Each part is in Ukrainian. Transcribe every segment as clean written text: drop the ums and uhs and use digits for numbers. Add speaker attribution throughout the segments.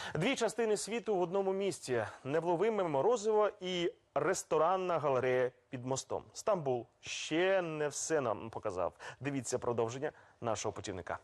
Speaker 1: Дві частини світу в одному місці. Невловиме морозиво і ресторанна галерея під мостом. Стамбул ще не все нам показав. Дивіться продовження нашого путівника.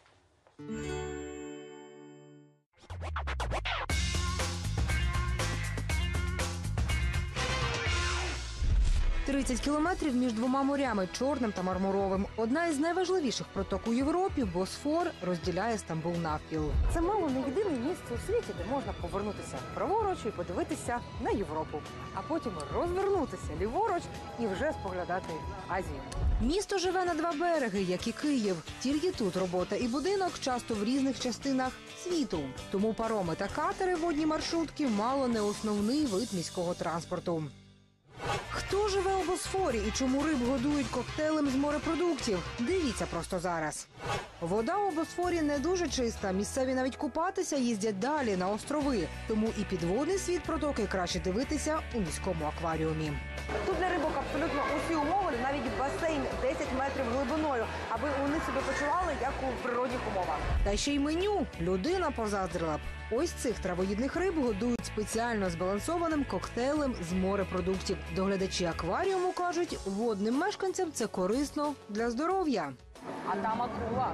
Speaker 2: 30 кілометрів між двома морями – Чорним та Мармуровим. Одна із найважливіших проток у Європі – Босфор – розділяє Стамбул навпіл.
Speaker 3: Це мало не єдине місце у світі, де можна повернутися праворуч і подивитися на Європу, а потім розвернутися ліворуч і вже споглядати Азію.
Speaker 2: Місто живе на два береги, як і Київ. Тільки тут робота і будинок часто в різних частинах світу. Тому пароми та катери водні маршрутки мало не основний вид міського транспорту. Хто живе у Босфорі і чому риб годують коктейлем з морепродуктів? Дивіться просто зараз. Вода у Босфорі не дуже чиста. Місцеві навіть купатися їздять далі, на острови. Тому і підводний світ протоки краще дивитися у міському акваріумі.
Speaker 3: Тут для рибок абсолютно усі умови, навіть басейн 10 метрів глибиною, аби вони себе почували, як у природних умовах.
Speaker 2: Та ще й меню людина позаздрила б. Ось цих травоїдних риб годують спеціально збалансованим коктейлем з морепродуктів. Доглядачі акваріуму кажуть, водним мешканцям це корисно для здоров'я.
Speaker 3: А там акула.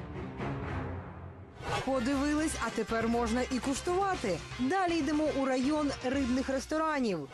Speaker 2: Подивились, а тепер можна і куштувати. Далі йдемо у район рибних ресторанів.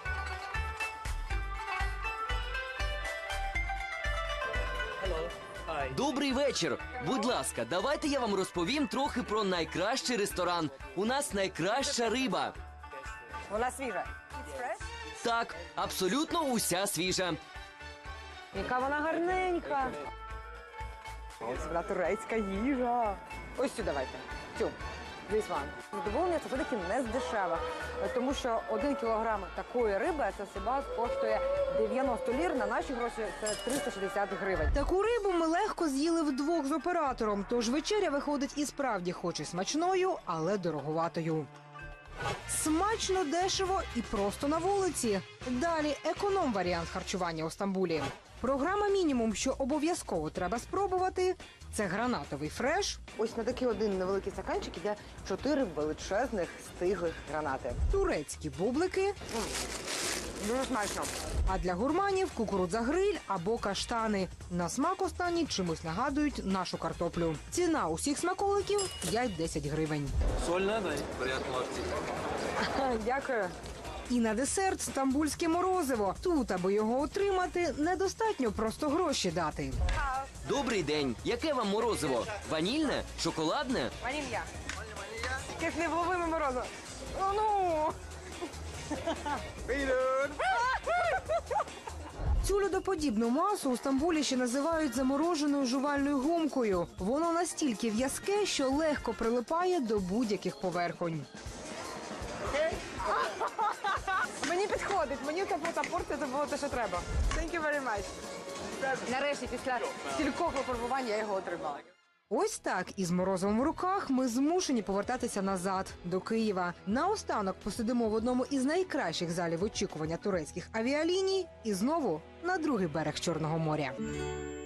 Speaker 4: Добрий вечір. Будь ласка, давайте я вам розповім трохи про найкращий ресторан. У нас найкраща риба.
Speaker 3: Вона свіжа.
Speaker 4: Так, абсолютно уся свіжа.
Speaker 3: Яка вона гарненька. Ось вона турецька їжа. Ось цю давайте. Цю. This one. Задоволення це все-таки не з дешевих, тому що 1 кілограм такої риби це хіба коштує 90 лір, на наші гроші це 360 гривень.
Speaker 2: Таку рибу ми легко з'їли вдвох з оператором, тож вечеря виходить і справді хоч і смачною, але дороговатою. Смачно, дешево і просто на вулиці. Далі економ-варіант харчування у Стамбулі. Програма «Мінімум», що обов'язково треба спробувати – це гранатовий фреш,
Speaker 3: Ось на такий один невеликий стаканчик іде 4 величезних стиглих гранати.
Speaker 2: турецькі бублики,
Speaker 3: Дуже смачно.
Speaker 2: а для гурманів – кукурудза-гриль або каштани. На смак останні чимось нагадують нашу картоплю. Ціна усіх смаколиків – 5-10 гривень.
Speaker 3: Дякую.
Speaker 2: І на десерт – стамбульське морозиво. Тут, аби його отримати, недостатньо просто гроші дати.
Speaker 4: Добрий день. Яке вам морозиво? Ванільне? Шоколадне?
Speaker 3: Ванілья. Якесь невловиме морозиво. О, ну!
Speaker 2: Цю льодоподібну масу у Стамбулі ще називають замороженою жувальною гумкою. Воно настільки в'язке, що легко прилипає до будь-яких поверхонь.
Speaker 3: Мені підходить, мені та порція це було те, що треба. Thank you very much. Нарешті, після стількох випробувань я його отримала.
Speaker 2: Ось так, із морозивом в руках, ми змушені повертатися назад, до Києва. Наостанок посидимо в одному із найкращих залів очікування турецьких авіаліній і знову на другий берег Чорного моря.